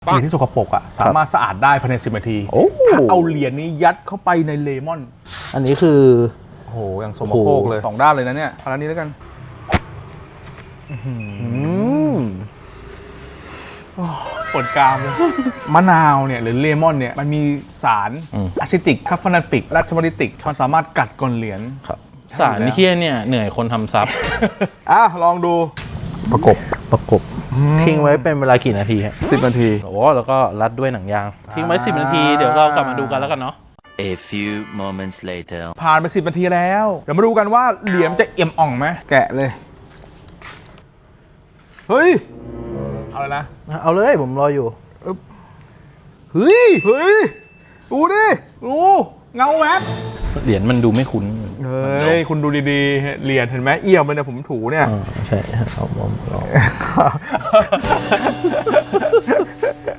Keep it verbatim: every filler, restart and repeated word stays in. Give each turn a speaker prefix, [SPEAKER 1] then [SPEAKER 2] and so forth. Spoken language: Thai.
[SPEAKER 1] เหรียญที่สกปรกอ่ะสามารถสะอาดได้ภายในสิบนาทีถ้าเอาเหรียญนี้ยัดเข้าไปในเลมอน
[SPEAKER 2] อันนี้คือ
[SPEAKER 1] โอ้โหอย่างสมโคกเลยสองด้านเลยนะเนี่ยเอาอันนี้แล้วกันปวดกรามเลยมะนาวเนี่ยหรือเลมอนเนี่ยมันมีสารอะซิติกคาเฟนาติกและสมาริติกมันสามารถกัดก้อนเหรียญ
[SPEAKER 3] ครับสารเคี้ยเนี่ยเหนื่อยคนทำซับ
[SPEAKER 1] อ่ะลองดูประกบ
[SPEAKER 2] ประกบทิ้งไว้เป็นเวลากี่นาทีฮะ
[SPEAKER 1] สิบนาที
[SPEAKER 2] โอ้แล้วก็รัดด้วยหนังยางทิ้งไว้สิบนาทีเดี๋ยวเรากลับมาดูกันแล้วกันเนาะ
[SPEAKER 4] A few moments later
[SPEAKER 1] ผ่านไปสิบนาทีแล้วเดี๋ยวมาดูกันว่าเหรียญจะเอี่ยมอ่องไหมแกะเลยเฮ้ยเอาเลยนะ
[SPEAKER 2] เอาเลยผมรออยู่
[SPEAKER 1] เฮ้ยเฮ้ยดูดิดูเงาแวบ
[SPEAKER 3] เหรียญมันดูไม่คุ้น
[SPEAKER 1] เฮ้ยคุณดูดีๆเหรียญเห็นไหมเอี่ยมเลยเนี่ยผมถูเนี่ย
[SPEAKER 2] ใช่เอาผมลอง